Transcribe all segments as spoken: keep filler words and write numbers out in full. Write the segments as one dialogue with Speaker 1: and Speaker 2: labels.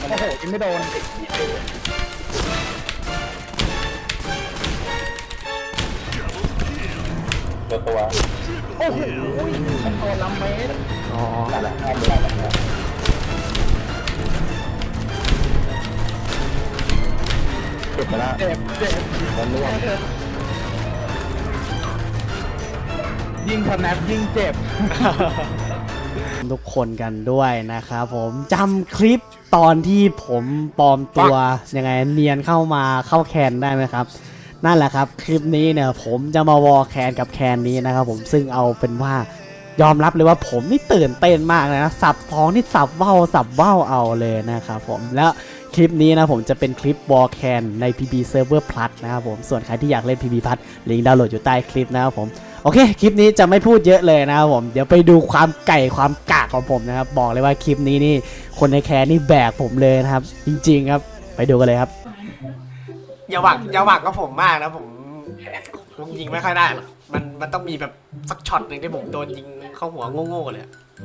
Speaker 1: โอ้โหยิงไม่โดน
Speaker 2: ตัวตัว
Speaker 1: โอ้โหมันตัวลำเมตร
Speaker 3: อ๋อ
Speaker 2: นั่นแหละนั่นแหละเก็บไปแล้ว
Speaker 1: เจ็บเจ็บ
Speaker 2: มันร่วง
Speaker 1: ยิงสแนปยิงเจ็บ
Speaker 3: ทุกคนกันด้วยนะครับผมจำคลิปตอนที่ผมปลอมตัวยังไงเนียนเข้ามาเข้าแคนได้ไหมครับนั่นแหละครับคลิปนี้เนี่ยผมจะมาวอลแคนกับแคนนี้นะครับผมซึ่งเอาเป็นว่ายอมรับเลยว่าผมนี่ตื่นเต้นมากเลยนะสับท้องนี่สับเบ้าสับเบ้าเอาเลยนะครับผมแล้วคลิปนี้นะผมจะเป็นคลิปวอลแคนใน พี บี Server Plus นะครับผมส่วนใครที่อยากเล่น พี บี Plus ลิงก์ดาวน์โหลดอยู่ใต้คลิปนะครับผมโอเคคลิปนี้จะไม่พูดเยอะเลยนะครับผมเดี๋ยวไปดูความไก่ความกากของผมนะครับบอกเลยว่าคลิปนี้นี่คนในแคนนี่แบกผมเลยนะครับจริงๆครับไปดูกันเลยครับอย่าหวังอย่าหวังกับผมมากนะผมผมยิงไม่ค่อยได้หรอกมันมันต้องมีแบบสักช็อตหนึ่งที่ผมโดนยิงเข้าหัวโง่ๆเลย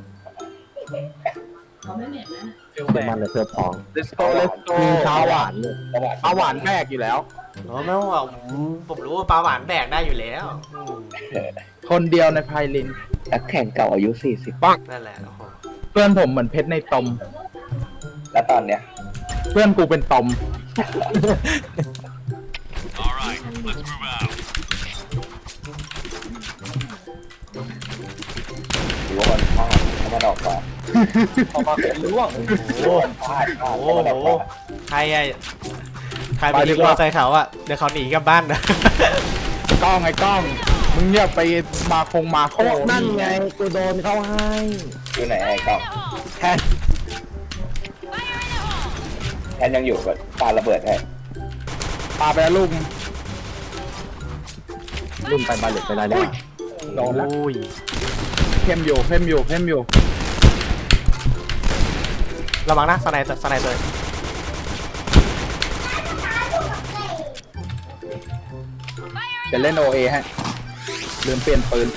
Speaker 4: เขาไม่เหม็นนะ
Speaker 2: เป็นมันเลยเพื่อพอง
Speaker 1: let's go let's go
Speaker 2: ชาหวาน
Speaker 1: ปลาหวานแบกอยู่แล้ว
Speaker 3: อ๋อไม่ว่าผมผมรู้ว่าปลาหวานแบกได้อยู่แล้วอืม
Speaker 1: คนเดียวในไพลิน
Speaker 2: นักแข่งเก่าอายุสี่สิบ
Speaker 3: นั่นแหละโอ้โห
Speaker 1: เพื่อนผมเหมือนเพชรในตม
Speaker 2: แล้วตอนเนี้ย
Speaker 1: เพื่อนกูเป็นตม
Speaker 2: ถือว่ามันพลาดถ้ามันออกมาออกมาเป็นร่วง
Speaker 3: โอ้โห
Speaker 2: พลาดพลาด
Speaker 3: โอ้โหใครอะใครไปยิงมอไซค์เขาอะเดี๋ยวเขาหนีกลับบ้านนะ
Speaker 1: กล้องไอ้กล้องมึงอย่าไปมาคงมาโค
Speaker 2: นั่นไงกูโดนเข้าให้อยู่ไหนไอ้กล้อง
Speaker 1: แทน
Speaker 2: แทนยังอยู่กับปาระเบิดให้
Speaker 1: ปาไปแล้วลูก
Speaker 2: รุ่นไปบาเล็ตไปได้แล้ว
Speaker 1: โดนแล้ว
Speaker 3: โอ้ย
Speaker 1: เข้มอยู่เข้มอยู่เข้มอยู่
Speaker 3: ระวังนะสไนเตอร์สไนเตอร์
Speaker 1: จะเล่นโอเอฮะลืมเปลี่ยนปืน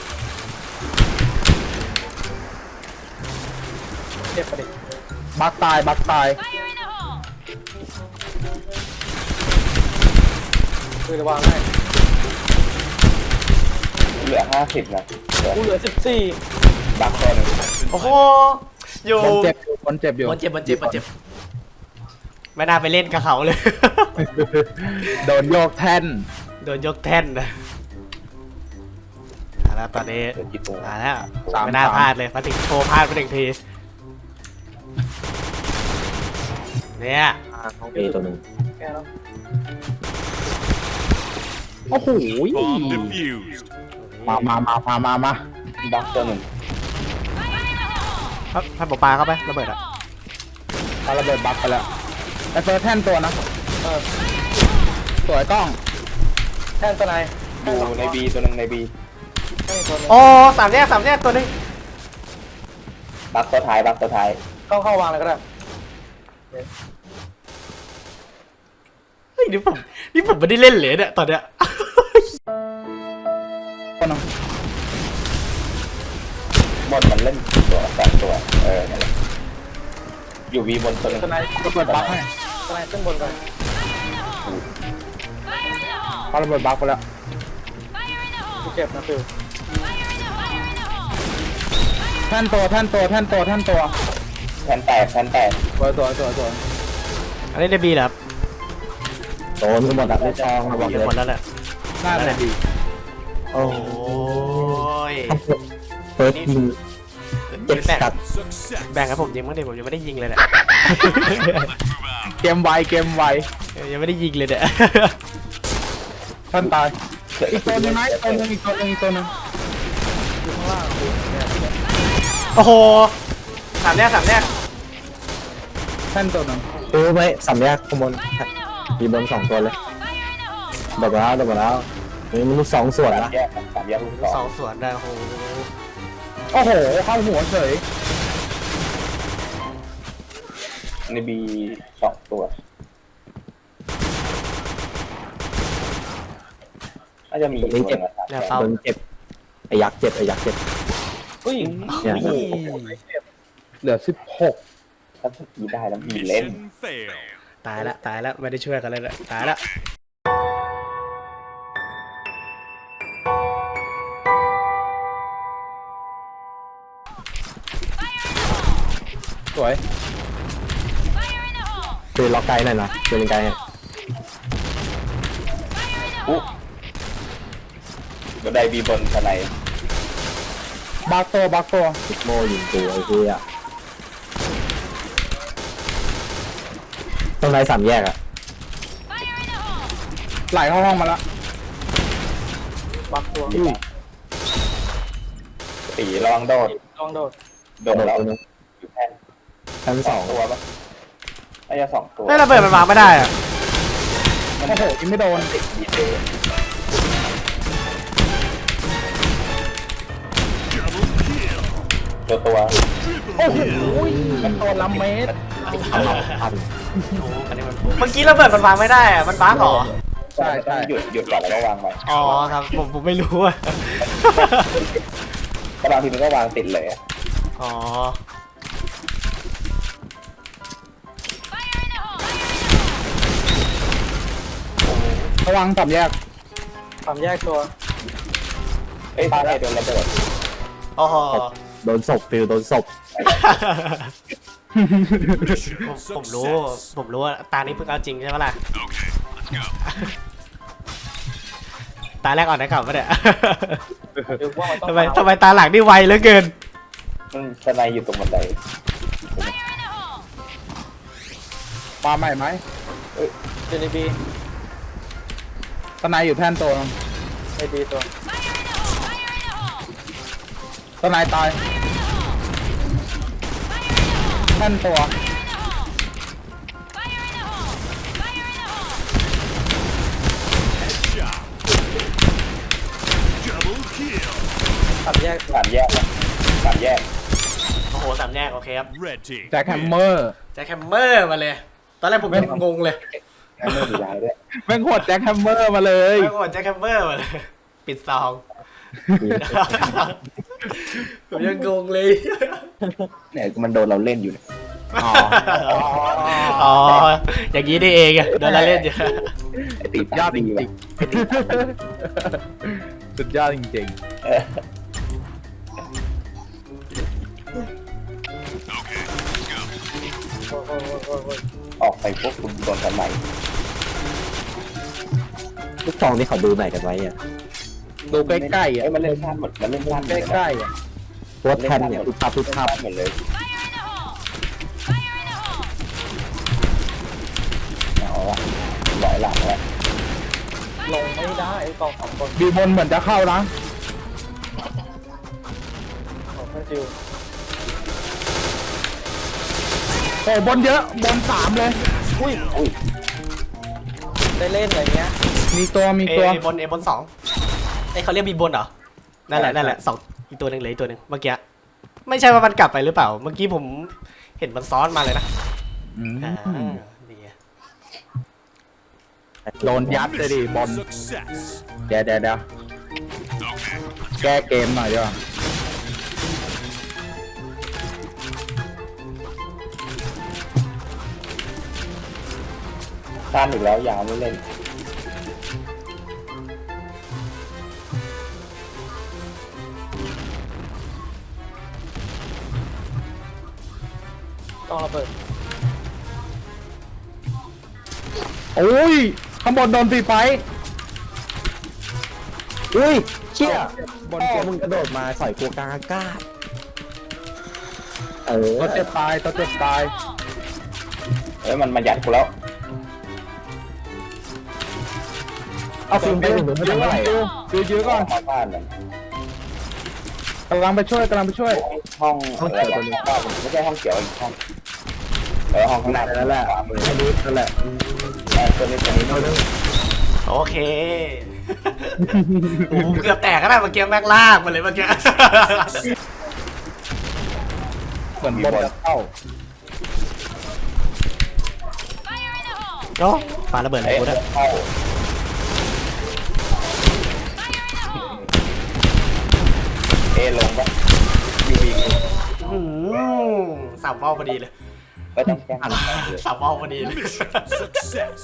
Speaker 1: เจ็บประเด็นบักตายบักตายคือระวังให้
Speaker 2: เหลือห้าสิบนะ
Speaker 1: กูเหลือสิบสี่
Speaker 2: บักตัวหนึ่ง
Speaker 3: โอ้โหอยู่
Speaker 1: คนเจ็บอยู่คนเจ็บอยู่
Speaker 3: มันเจ็บมันเจ็บมันเจ็บไม่น่าไปเล่นกับเขาเลย
Speaker 1: โดนโยกแท่น
Speaker 3: โดนยกแท่นนะมาแล้วตอนนี้
Speaker 2: เดี๋ยวจิตตัว
Speaker 3: มาแล้วไม่น่าพลาดเลยมาถึงโชว์พลาดไปหนึ่งทีเนี่ย
Speaker 2: เอตัวหนึ่ง
Speaker 1: โอ้โห
Speaker 5: Bomb defused.
Speaker 1: มามามามามามา
Speaker 2: บักตัวหนึ่ง
Speaker 3: ครับท่านปอปลาเข้าไประเบิดอ่ะ
Speaker 1: ปาระเบิดบักไปแล้วไอเฟิร์สแท่นตัวนะเออสวยกล้องแท่นตัวไหน
Speaker 2: อยู่ในบีตัวหนึ่งในบี
Speaker 3: โอ้สามแยกสามแยกตัวนึง
Speaker 2: บักตัวท้ายบักตัวท้าย
Speaker 1: กล้องเข้าวางเลยก็ได้
Speaker 3: เฮ้ยนี่ผมนี่ผมไม่ได้เล่นเลยเนี่ยตอนเนี้ย
Speaker 1: ตัวนึง
Speaker 2: บนมันเล่นตัวสองตัวเออนั่นแหละอยู่บีบนตัวหนึ่ง
Speaker 1: ตัวไหนระเบิดบักให้ตัวไหนขึ้นบนกันปาระเบิดบักไปแล้วเจ็บนะฟิวแท่นตัวแท่นตัวแท่นตัวแท่นตัว
Speaker 2: แทนแตกแทนแตก
Speaker 1: สวยสวยสวยสวย
Speaker 3: อันนี้ได้บีเหรอครับ
Speaker 2: โดนกันหมดอะไม่ชองมาบอก
Speaker 3: อยู่
Speaker 2: เลย
Speaker 3: หมดแล้วแหละ
Speaker 1: น่าจะดี
Speaker 3: โอ้ย
Speaker 2: เฟิร์สยิงเจ็บ
Speaker 3: แบ่ง
Speaker 2: สัตว์
Speaker 5: Success.
Speaker 3: แบ่งให้ผมยิงมั้งเดี๋ยวผมยังไม่ได้ยิงเลยเนี่ย
Speaker 1: เกมไวเกมไว
Speaker 3: ยังไม่ได้ยิงเลยเนี่ย
Speaker 1: ท่านตายอีกตัวนึงไหมอีกตัวนึงอีกตัวนึงอีกตัวนึงอยู่ข้างล่าง
Speaker 3: โอ้โหสามแยกสามแยก
Speaker 1: แท่นตัวนึง
Speaker 2: ดูไหมสามแยกข้างบนมีบนสองตัวเลยดับแล้วดับแล้วนี่มันสองส่วนละแยกสามแยกลูกส
Speaker 3: ส
Speaker 2: อ
Speaker 3: อง งสวนได้โอ้โห
Speaker 1: โอ้โหเข้าหัวเฉย
Speaker 2: ในบีสองตัวน่าจะมีตัวนึง
Speaker 3: เนี่ยเป้า
Speaker 2: โดนเจ็บไอ้ยักษ์เจ็บไอ้ยักษ์เจ็บ
Speaker 1: อุ้ย
Speaker 2: เนี่ย
Speaker 1: เหลือสิบหก
Speaker 4: ถ้าสกีได้แล้วมีเล่น
Speaker 5: Mission failed.
Speaker 3: ตายละตายละไม่ได้ช่วยกันเลยละตายละ
Speaker 1: สวย
Speaker 2: คือล็อกไกลหน่อยนะคือเป็นไกล
Speaker 4: อุ๊ก็ได้บีบนสไน
Speaker 1: บักตัวบักตัว
Speaker 2: พิกโมยิงตัวไอ้เหี้ยตรงไหนสามแยกอะ
Speaker 1: ไหลเข้าห้องมาละ
Speaker 4: บักตัวตีลองโดดลองโดดโดดแล้วอยู่แท่น
Speaker 2: ชั้นสอง
Speaker 4: ตัวปะน่าจะสองตัว
Speaker 3: ไม่ระเบิดมันวางไม่ได้อะ
Speaker 1: โอ้โหยิงไม่โดน
Speaker 4: ดีเดย์ ตัวตัว
Speaker 1: โอ้โหมันตัวล้ำเมตร
Speaker 2: พัน
Speaker 3: เมื่อกี้ระเบิดมันวางไม่ได้อะมันบ้าเหรอ
Speaker 1: ใช่ใช่
Speaker 4: หยุดหยุดก่อนแล้วก็วางไว้
Speaker 3: อ๋อครับผมผมไม่รู้อะ
Speaker 4: ก็บางทีมันก็วางติดเลย
Speaker 3: อ๋อ
Speaker 1: ระวังสับแยก
Speaker 4: ความแยกตัวเอ้ยตายโดนระเบิด
Speaker 3: โอ้โห
Speaker 2: โดนศพฟิลโดนศพ
Speaker 3: ผมผมรู้ผมรู้ว่าตานี้เพิ่งเอาจริงใช่ไหมล่ะ
Speaker 5: Okay, let's go.
Speaker 3: ตาแรกอ่อนได้กลับปะเนี่ยทำไมทำไมตาหลังนี่ไวเหลือเกิน
Speaker 4: มันสไนอยู่ตรงบันได
Speaker 1: มาใหม่ไหม
Speaker 4: เจนบี
Speaker 1: ตะไนอยู่แท่นตัวนึง
Speaker 4: ไอบีตัว
Speaker 1: ตะไนตายแท่นตัว
Speaker 5: Double kill.
Speaker 4: สามแยกสามแยกสามแยก
Speaker 3: โอ้โหสามแยกโอเคครับ
Speaker 5: Red team.
Speaker 1: แจ็คแฮมเมอร์
Speaker 3: แจ็คแฮมเมอร์มาเลย ตอนแรกผมยังงงเลย
Speaker 4: แค่ไม่ดีย้ายด้วย
Speaker 1: แม่งโหดแจ็คแฮมเมอร์มาเลย
Speaker 3: ไม่กดแจ็คแฮมเมอร์มาเลย ปิดซองผมยังงงเลย
Speaker 4: เนี่ยมันโดนเราเล่นอยู่เนี่ย
Speaker 1: อ๋อ
Speaker 3: อ๋อ อย่างนี้นี่เองอะโดนละเล่นอยู่
Speaker 4: ติด
Speaker 1: ยอดจ
Speaker 4: ดี
Speaker 1: ริงๆสุดยอดจริง
Speaker 4: ออกไปพวกคุณโดนกันใหม่
Speaker 2: ลูกซองที่เขาดูไหนกันไว้อะ
Speaker 1: ๆ ดูใกล้ๆอ่ะ
Speaker 4: เอ้ยมันเล่นพลาดหมดมันเล่นพลาดหม
Speaker 1: ใก
Speaker 4: ดเลย
Speaker 1: ล้ๆอ่ะ
Speaker 2: ตัวแท่นเนี่ยทุกภาพทุกภาพ
Speaker 4: หมดเลยเอาละหลายหลังแล้วลงไม่ได้ไอ้กองสองคน
Speaker 1: บีบนเหมือนจะเข้านะ
Speaker 4: ของเพื่อนจิว
Speaker 1: โอ้บนเยอะบนสามเลย
Speaker 4: อุ้ยอุ้ยได้เล่นอะไรเงี้ย
Speaker 1: มีตัวมี
Speaker 3: เอ
Speaker 1: ตัว
Speaker 3: บนเอบนสองไอเขาเรียกบีบนเหรอ นั่นแหละนั่นแหละสองอีกตัวหนึ่งเหลยอีกตัวหนึ่งเมื่อกี้ ไม่ใช่ว่ามันกลับไปหรือเปล่า เมื่อกี้ผมเห็นมันซ้อนมาเลยนะ
Speaker 1: อืม
Speaker 3: อ่าดีอะ
Speaker 1: โดนยัดเลยดิบอล
Speaker 5: Success.
Speaker 1: เดี๋ยวเดี๋ยวเดี๋ยว
Speaker 5: Okay, let's
Speaker 1: แก้เกมหน่อยดีกว่า
Speaker 4: ตามอีกแล้วยาวไม่เล่น ต้องระเบิด
Speaker 1: โอ้ยข้างบนโดนตีไฟ
Speaker 2: อุ้ยเชี่ย
Speaker 1: บน
Speaker 2: พ่
Speaker 1: เก
Speaker 2: อ
Speaker 1: ม
Speaker 2: มึงกระโดดมาใส่กูกลางอากาศเออ
Speaker 1: ตัวเจ็บตายตัวเจ็บตาย
Speaker 4: เอ้ยมันมาหยัดกูแล้ว
Speaker 2: เอาฟิล์มไปหนึ่งมึงไม่ทำอะไร
Speaker 1: ยื้
Speaker 2: อะ
Speaker 1: ยื้อยื้อก่อน
Speaker 4: มาบ้านมัน
Speaker 1: กำลังไปช่วยกำลังไปช่วย
Speaker 4: ห้องอะไรวะไม่ใช่ห้องเขียวอีกห้องเออห้องข้างหน้า
Speaker 2: นั่นแหละ
Speaker 4: ขวามือ
Speaker 2: อันนี้นั่นแหละ
Speaker 4: เออตัวนี้ตัวนี้
Speaker 2: เอาเรื่อง
Speaker 3: โอเคโอ้โหเกือบแตกก็ได้เมื่อกี้แม็กลากมาเลยเมื่อกี้
Speaker 1: เหมือนบนจะเข้า
Speaker 3: โอ้ปาระเบิดอะไร
Speaker 4: เอ้ย
Speaker 3: กูด้วย
Speaker 4: เข้าเอลงปะยูบี
Speaker 3: อื้อหือสามเป้าพอดีเลย
Speaker 4: ก็ต้องแก้หัน
Speaker 3: สับเอาพอดีเลย
Speaker 5: Mission success.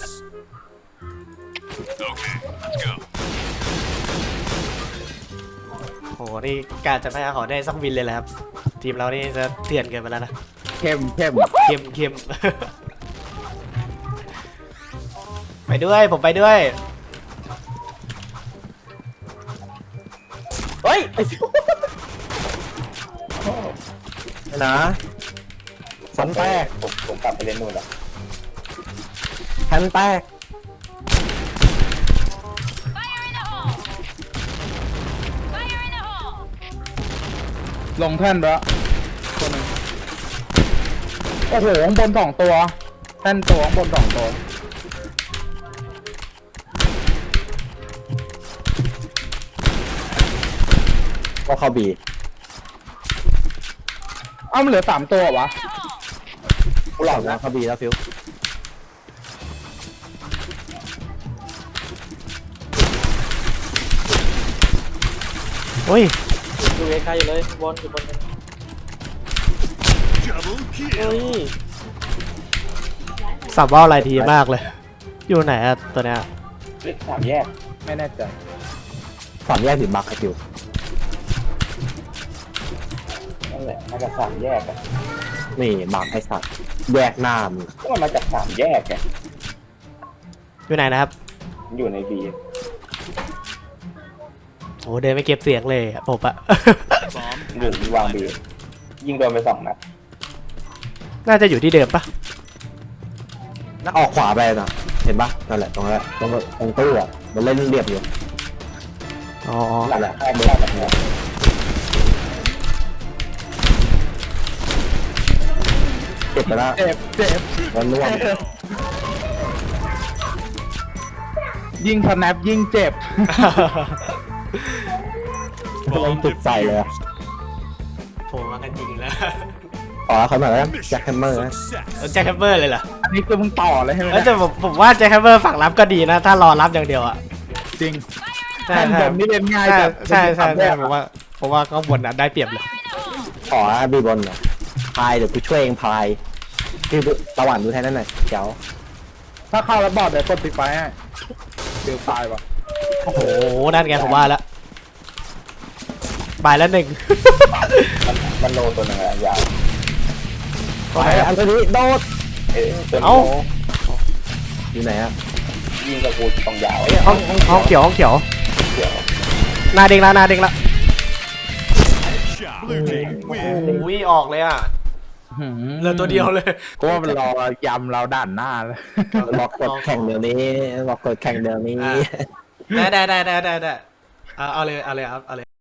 Speaker 5: Okay, let's go.
Speaker 3: โหนี่การจะไม่ขอได้สักวินเลยแหละครับ ทีมเรานี่จะเถื่อนเกินไปแล้วนะ
Speaker 1: เข้มเข้ม
Speaker 3: เข้มเข้ม ไปด้วยผมไปด้วย
Speaker 4: เฮ้ย
Speaker 2: นะสันแตก
Speaker 4: ผมผมกลับไปเล่นนู่นแล้ว
Speaker 2: แทนแตก
Speaker 1: ลงแท่นไปแล้วตัวหนึงโอ้โหข้างบนสองตัวแท่นตัวข้างบนสองตัว
Speaker 2: ก็เข้าบี
Speaker 1: เอ้ามันเหลือสามตัววะ
Speaker 2: กูหลอกนะเข้าบีแล้วฟิว
Speaker 3: โอ้ย
Speaker 4: ดูเอคาอยู่เลยบอลอยู่บนนึง
Speaker 5: Double
Speaker 4: เฮ้
Speaker 5: kill.
Speaker 4: ย
Speaker 3: สับว่าอะไรทีมากเลย อยู่ไหนอะตัวเนี้ย
Speaker 4: เลขสามแยก
Speaker 1: ไม่แน่ใจ
Speaker 2: สามแยกถึงบักไอฟิว
Speaker 4: นั่นแหละมาจากสามแยกอะ
Speaker 2: นี่บักไอสัตว์แยกหน้ามึง
Speaker 4: ก็มันมาจากสามแยกไง
Speaker 3: อยู่ไหนนะครับ
Speaker 4: มันอยู่ในบี
Speaker 3: โอ้เดินไม่เก็บเสียงเลยอะผมอะ
Speaker 5: Bomb
Speaker 4: หนึ่ง
Speaker 5: has
Speaker 4: วาง
Speaker 5: been
Speaker 4: บี
Speaker 5: planted.
Speaker 4: ยิงโดนไปสองนัด
Speaker 3: น่าจะอยู่ที่เดิมปะ
Speaker 2: แล้วออกขวาไปนะเห็นปะนั่นแหละตรงนั้นแหละตรงตรงตู้อ่ะมันเล่นเรียบอยู่
Speaker 3: อ๋อ
Speaker 4: หลังแรกไม่ได้แบบนี้
Speaker 2: เก็บไปแล้ว
Speaker 1: เจ็บเจ็บ
Speaker 2: มันร่วง
Speaker 1: ยิงสแนปยิงเจ็บ
Speaker 2: กำลังจุดใส่เลยอะ
Speaker 3: ผมมากันจริงแล้ว
Speaker 2: ขอเขาหน่อยแล้วแจ็คแฮมเมอร์นะ
Speaker 5: Success.
Speaker 3: แจ็คแฮมเมอร์เลยเหรอ
Speaker 1: อันนี้คือมึงต่อเลยใช่ไหม
Speaker 3: เอ้ย
Speaker 1: เนี่ย
Speaker 3: แต่ผมผมว่าแจ็คแฮมเมอร์ฝั่งรับก็ดีนะ ถ้ารอรับอย่างเดียวอะ
Speaker 1: จริง
Speaker 3: ใช่
Speaker 1: แท่น
Speaker 3: ใช่
Speaker 1: บนนี่เล่นง่าย
Speaker 3: ใช่
Speaker 1: จัด
Speaker 3: ใช่ใช่
Speaker 1: สามแย
Speaker 3: ใช่
Speaker 1: ก
Speaker 3: ผมว่าผมว่าข้างบนอะได้เปรียบเลย
Speaker 2: ขอบีบอลหน่อยพายเดี๋ยวกูช่วยเองพายคือระหว่างดูแทนนั่นหน่อยเดี๋ยว
Speaker 1: ถ้าเข้าแล้วบอดเดี๋ยวกดปิดไฟให้เดี๋ยวตายวะ
Speaker 3: โอ้โหนั่นไงผมว่าแล้วบายแล้วหนึ่ง
Speaker 4: มันมันโลตัวหนึงอะยาว
Speaker 2: ไปอันนี้โดด
Speaker 4: เอ้ยตัวนี้
Speaker 3: เอ้า
Speaker 2: อยู่ไหนอะ
Speaker 4: ยิงกับกูตรงยาว
Speaker 3: ห้องห้องเขียวห้องเขียว
Speaker 4: เดี๋ยว
Speaker 3: หนาเด้งละหนาเด้งละ
Speaker 5: Shot. Blue team
Speaker 3: โอ้
Speaker 5: win.
Speaker 3: โหออกเลยอ่ะเหลือตัวเดียวเลย
Speaker 1: ก็ว่ามันรอยำเราด่านหน้าเลย
Speaker 2: บอกกดแข่งเดี๋ยวนี้บอกกดแข่งเดี๋ยวนี้
Speaker 3: อ่ะ ได้ได้ได้ได้ได้ได้เอาเอาเลยเอาเลยครับเอาเลย